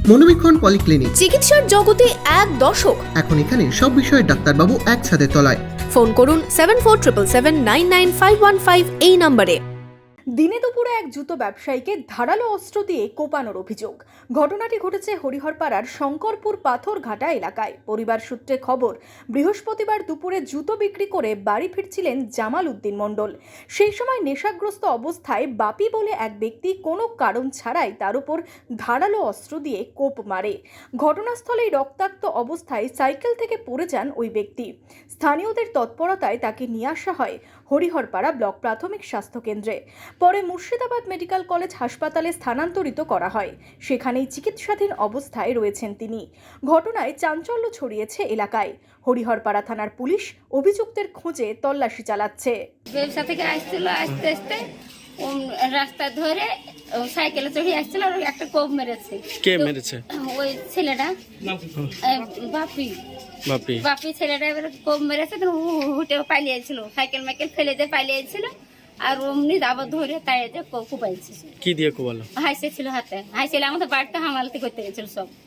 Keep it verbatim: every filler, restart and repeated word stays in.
মনোবীক্ষণ polyclinic, চিকিৎসার জগতে এক দশক। এখন এখানে সব বিষয়ে ডাক্তারবাবু একসাথে তলায়। ফোন করুন seven four triple seven nine nine five one five এই নম্বরে। দিনে দুপুরে এক জুতো ব্যবসায়ীকে ধারালো অস্ত্র দিয়ে কোপানোর অভিযোগ। ঘটনাটি ঘটেছে হরিহরপাড়ার শঙ্করপুর পাথরঘাটা এলাকায়। পরিবার সূত্রে খবর, বৃহস্পতিবার দুপুরে জুতো বিক্রি করে বাড়ি ফিরছিলেন জামাল উদ্দিন মণ্ডল। সেই সময় নেশাগ্রস্ত অবস্থায় বাপি বলে এক ব্যক্তি কোনো কারণ ছাড়াই তার উপর ধারালো অস্ত্র দিয়ে কোপ মারে। ঘটনাস্থলেই রক্তাক্ত অবস্থায় সাইকেল থেকে পড়ে যান ওই ব্যক্তি। স্থানীয়দের তৎপরতায় তাকে নিয়ে আসা হয় হরিহরপাড়া ব্লক প্রাথমিক স্বাস্থ্য কেন্দ্রে। পরে মুর্শিদাবাদ মেডিকেল কলেজ হাসপাতালে স্থানান্তরিত করা হয়। সেখানেই চিকিৎসাধীন অবস্থায় রয়েছেন তিনি। ঘটনায় চাঞ্চল্য ছড়িয়েছে এলাকায়। হরিহরপাড়া থানার পুলিশ অভিযুক্তের খোঁজে তল্লাশি চালাচ্ছে। ব্যবসা থেকে আসছিল, আসতে আসতে রাস্তা ধরে সাইকেলে চড়ে আসছিল আর একটা কোপ মেরেছে। কে মেরেছে? ওই ছেলেটা, বাপি বাপি বাপি ছেলেটা এবারে কোপ মেরেছে। হুটে পালিয়েছিল, সাইকেল মাইকেল ফেলে দিয়ে পালিয়েছিল। আর অমনি আবার ধরে তাই কুপাইছে। কি দিয়ে কোবালো? হাইসে ছিল হাতে, হাইসেলে আমাদের বাড়িতে হামালতি করতে গেছিল সব।